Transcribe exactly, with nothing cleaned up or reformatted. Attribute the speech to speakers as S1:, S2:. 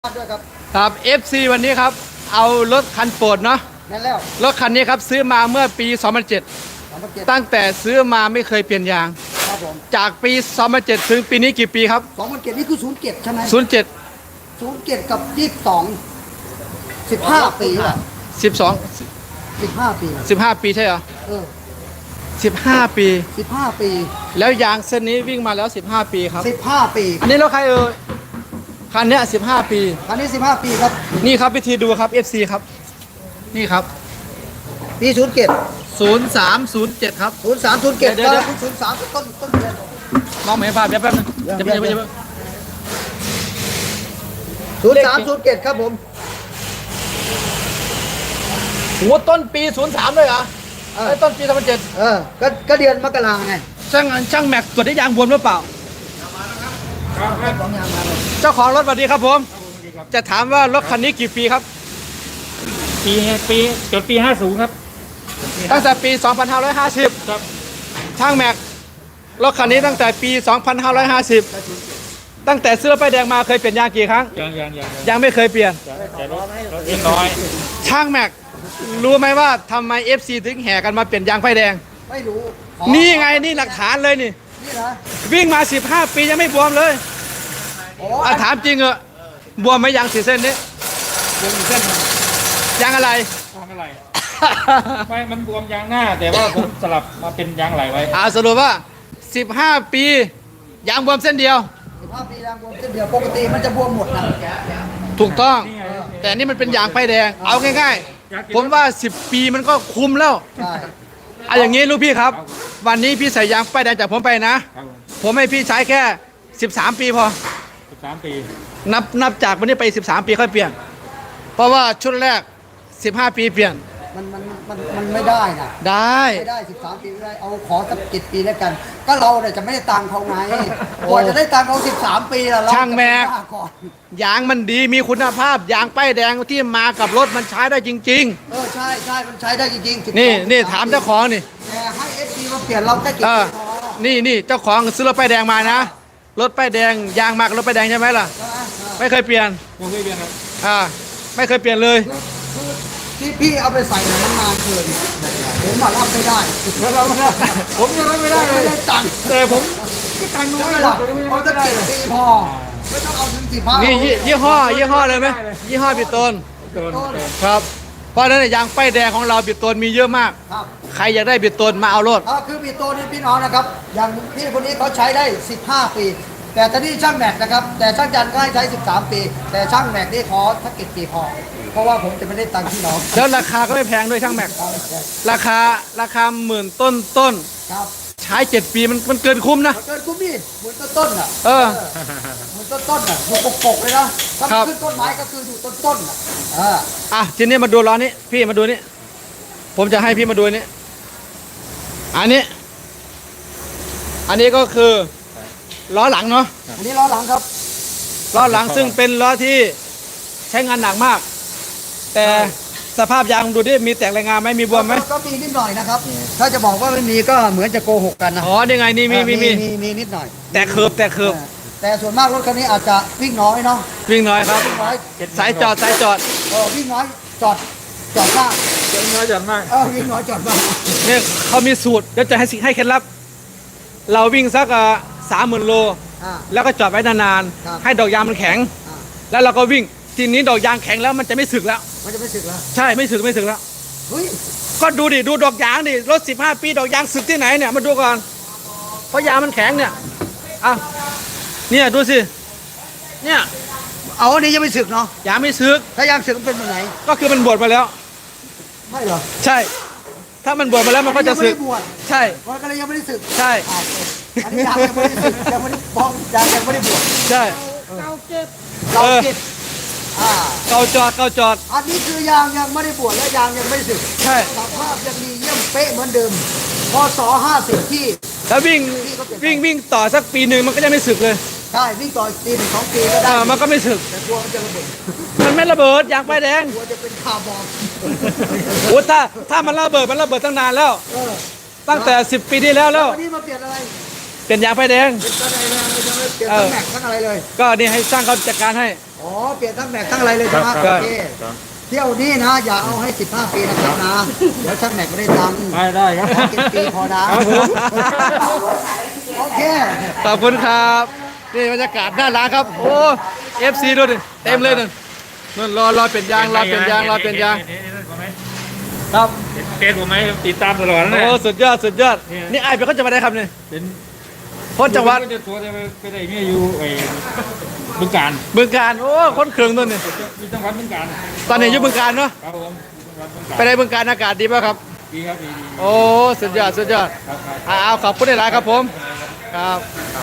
S1: ด้วยครับ
S2: ครับ เอฟ ซี วันนี้ครับเอารถคันโปรดเนาะ
S1: นั่นแล้ว
S2: รถคันนี้ครับซื้อมาเมื่อปี สองพันเจ็ด ตั้งแต่ซื้อมาไม่เคยเปลี่ยนยาง
S1: ครับผม
S2: จากปี สองพันเจ็ด ถึงปีนี้กี่ปีครับ
S1: สองพันเจ็ดนี่คือศูนย์เจ็ดใช่ไหม
S2: ศูนย์เจ็ด
S1: ศูนย์เจ็ดกับยี่สิบสองสิบห้าปีอ่ะ
S2: สิบสอง
S1: สิบห้าปี
S2: สิบห้าปีใช่เหรอ
S1: เออ
S2: สิบห้าปี
S1: สิบห้าปี
S2: แล้วยางเส้นนี้วิ่งมาแล้วสิบห้าปีครับ
S1: สิบห้าปี
S2: อันนี้รถใครเอ่ยคันนี้สิบห้าปี
S1: คันนี้สิบห้าปีครับ
S2: นี่ครับวิธีดูครับ เอฟ ซี ครับนี่ครับ
S1: ปีศูนย์เจ็ด
S2: ศูนย์สามศูนย์เจ็ดครับ
S1: ศูนย์สามศูนย์เจ็ดเดี๋ยวศูนย์สามต้นต้นเดือน
S2: มองไม่เห็นภาพเดี๋ยวแป๊บนึงจะไปจะไปจะไป
S1: ศูนย์สามศูนย์เจ็ดครับผม
S2: หัวต้นปีศูนย์สามเลยเหรอไอ้ต้นปีสองพันเจ็ด
S1: เออก็ก็เดือนมกราไง
S2: ช่างช่างแม็กตรวจได้ยางบวมหรือเปล่าเจ้าของรถสวัสดีครับผมจะถามว่ารถคันนี้กี่ปีครับ
S3: ปีปีจดปีห้าสิบครับ
S2: ตั้งแต่ปีสองพันห้าร้อยห้าสิบ
S3: ครับ
S2: ช่างแม็กรถคันนี้ตั้งแต่ปีสองพันห้าร้อยห้าสิบตั้งแต่ซื้อป้ายแดงมาเคยเปลี่ยนยางกี่ครั้ง
S3: ยังยังยัง
S2: ยังไม่เคยเปลี่ยน
S3: แต่รถรถเล็กน้อย
S2: ช่างแม็กรู้ไหมว่าทำไม เอฟ ซี ถึงแห่กันมาเปลี่ยนยางป้ายแดง
S1: ไม่รู้
S2: นี่ไงนี่หลักฐานเลยนี่
S1: นี่นะ
S2: วิ่งมาสิบห้าปียังไม่บวมเลยอ่ะถามจริงเหรอบวมไหมยางสีเส้นนี้
S3: บวมเส้น
S2: ยางอะไร
S3: ยางอะไรไม่มันบวมยางหน้าแต่ว่าผมสลับมาเป็นยางไหลไว้
S2: อ่าสรุปว่าสิบห้าปียางบวมเส้นเดียว
S1: สิบห้าปียางบวมเส้นเดียวปกติมันจะบวมหมดนะ
S2: ถูกต้องแต่นี่มันเป็นยางป้ายแดงเอาง่ายๆผมว่าสิบปีมันก็คุ้มแล้ว
S1: ใช่
S2: อ่ะอย่างงี้ลูกพี่ครับวันนี้พี่ใส่ยางป้ายแดงจากผมไปนะผมให้พี่ใช้แค่สิบสามปีพอ
S3: สิบสามปี
S2: นับนับจากวันนี้ไปสิบสามปีค่อยเปลี่ยนเพราะว่าชุดแรกสิบห้าปีเปลี่ยน
S1: มันมันมันมันไม่ได้นะ
S2: ได้
S1: ไม่ได้สิบสามปีไม่ได้เอาขอสักเจ็ดปีแล้วกันก็เราเนี่ยจะไม่ได้ตังค์เขาไงกว่าจะได้ตังค์เขาสิบสามปีแล้ว
S2: ช่างแม็กยางมันดีมีคุณภาพยางป้ายแดงที่มากับรถมันใช้ได้จริง
S1: ๆเออใช่ใช่มันใช้ได้จริง
S2: ๆนี่นี่ถามเจ้าของนี่
S1: แต่ให้เอฟซีมาเปลี่ยนเราแค่กี่ปีพอ
S2: นี่นี่เจ้าของซื้อรถป้ายแดงมานะรถป้ายแดงยางมากรถป้ายแดงใช่ไหมล่ะไม่เคยเปลี่ยน
S3: ไม่เคยเปลี่ยนครับ
S2: อ่าไม่เคยเปลี่ยนเลย
S1: ที่พี่เอาไปใส่เนี่ยมันนานเกินผมมารับไม่ได้ผมยังรับไม่ได้เลยตังค์
S2: แต่ผม
S1: ก็ตังค์น้อยหรอกเอาตั้งเจ็ดปีพอไม่ต้องเอาถึงสิบห้า
S2: นี่ยี่ห้อยี่ห้อเลยไหมยี่ห้อบิดต้นครับเพราะฉะนั้นยางป้ายแดงของเราบิดต้นมีเยอะมากใครอยากได้บิดต้นมาเอารถ
S1: คือบิดต้นนี่พี่น้องนะครับอย่างพี่คนนี้เขาใช้ได้สิบห้าปีแต่ตอนนี้ช่างแม็กนะครับแต่ช่างจันก็ให้ใช้สิบสามปีแต่ช่างแม็กนี่ขอสักกี่ปีพอเพราะว่าผมจะไม่ได้ตังค์พี่น้อง
S2: แล้วราคาก็ไม่แพงด้วยช่างแม็กราคาราคาหมื่นต้นต้น
S1: ครับ
S2: ใช้เจ็ดปีมันมันเกินคุ้มนะ
S1: เกินคุ้มนี่หมื่นต้นต้นอ่ะ
S2: เออ
S1: หมื่นต้นต้นอ่ะอยู่ปกๆเลยนะถ้าขึ้นต้นไม้ก็คืออยู่ต้นต้นอ่ะอ่า
S2: อ่ะทีนี้มาดูล้อนี้พี่มาดูนี่ผมจะให้พี่มาดูนี่อันนี้อันนี้ก็คือล้อหลังเนาะ
S1: อันนี้ล้อหลังครับ
S2: ล้อหลังซึ่งเป็นล้อที่ใช้งานหนักมากแต่สภาพยางดูดิมีแตกรายงานไหมมีบวมไหม
S1: ก็มีนิดหน่อยนะครับถ้าจะบอกว่าไม่มีก็เหมือนจะโกหกกันนะ
S2: อ๋อนี่ไงนี่มีมีมี
S1: มีนิดหน่อย
S2: แต่เคิร์ฟแต่เคิร์ฟ
S1: แต่ส่วนมากรถคันนี้อาจจะวิ่งน้อยเนาะ
S2: วิ่งน้อยครับสายจอดสายจอด
S1: เออวิ่งน้อยจอดจอดมาก
S3: วิ่งน้อยจอดมาก
S1: เออวิ่งน้อยจอดมาก
S2: เนี่ยเขามีสูตรเดี๋ยวจะให้ให้เคล็ดลับเราวิ่งสักสามหมื่นโลแล้วก็จอดไว้นานๆให้ดอกยางมันแข็งแล้วเราก็วิ่งทีนี้ดอกยางแข็งแล้วมันจะไม่สึกแล้ว
S1: มันจะไม่สึกแล้ว
S2: ใช่ไม่สึกไม่สึกแล้ว
S1: เฮ้ย
S2: ก็ดูดิดูดอกยางดิรถสิบห้าปีดอกยางสึกที่ไหนเนี่ยมาดูก่อนเพราะยางมันแข็งเนี่ยอ่ะเนี่ยดูสิเนี่ย
S1: เอาอันนี้ยังไม่สึกเนาะ
S2: ยางไม่สึก
S1: ถ้ายางสึกมันเป็นแบบไหน
S2: ก็คือมันบวชมาแล้ว
S1: ไม่เหรอ
S2: ใช่ถ้ามันบวชมาแล้วมันก็จะสึกใช่
S1: มันก็เลยยังไม่ได้สึก
S2: ใช่
S1: อันนี้ยางยังไม่ได้สึกยังไม่ได้บ้องยางยังไม่ได้บวช
S2: ใช่
S1: เกาเก็บเกาเก็บ
S2: เกาจอดเกาจอด
S1: อันนี้คือยางยังไม่ได้บวชและยางยังไม่สึก
S2: ใช่
S1: สภาพยังดีเยี่ยมเป๊ะเหมือนเดิมพศห้าสิบที่
S2: แล้ววิ่งวิ่งวิ่งต่อสักปีหนึ่งมันก็จะไม่สึกเลย
S1: ใช่วิ่งต่อปีหนึ่งสองปีก็ได้
S2: มันก็ไม่สึก
S1: แต่กลัวมันจะระเบิด
S2: มันไม่ระเบิดยางป้ายแดง
S1: กลัวจะเป็นคาร์บอน
S2: โอ้ถ้าถ้ามันระเบิดมันระเบิดตั้งนานแล้วตั้งแต่สิบปีที่แล้วแล้ว
S1: วันนี้มาเปลี่ยนอะไร
S2: เปลี่ยนยางป้ายแดง
S1: เปลี่ยนอะไรเลยจะไม่เปลี่ยนแม็กทั้งอะไรเลย
S2: ก็นี่ให้ช่างเขาจัดการให้
S1: โอ๋อเปลี่ยนทั้งแม็กทั้งอะไรเลยใช่ไหม
S3: ครับ
S1: โอเค
S3: ครับ
S1: เที่ยวนี้นะอย่าเอาให้สิบห้าปีนะครับนะเดี๋ยวช่างแม็กไม่ได้ตังค์
S3: ได้ได้ครับ
S1: ขอกินปีพอนะครับ
S3: ผม
S1: โอเค
S2: ขอบคุณครับนี่บรรยากาศหน้าร้านครับ โอ้เอฟซีด้วยดิเต็มเลยนั่นนั่นรอรอเป็นยางรอเป็นยางรอเป็นยางครับ
S3: เฟซผมไหมติดตามตลอดนะ
S2: โอ้
S3: เนี่ย
S2: สุดยอดสุดยอด
S3: เนี่ย
S2: นี่ไอ้เป็นคนจังหวัดไหนครับเนี่ย
S3: เป็น
S2: คนจังหวัด
S3: จะตัวจะไปได้เมียอยู่ไอ้บึงการ
S2: บึงการโอ้คนเครื่องตัวนี่
S3: มีจังหวัดบึงการ
S2: ตอนนี้อยู่บึงการเนาะ
S3: ครับผมจังหวัดบึงการ
S2: ไปในบึงการอากาศดีป่ะครับ
S3: ดีครับดีดี
S2: โอ้สุดยอดสุดยอด
S3: ครับครับ
S2: อ่าเอาขอบคุณหลายๆครับผมครับ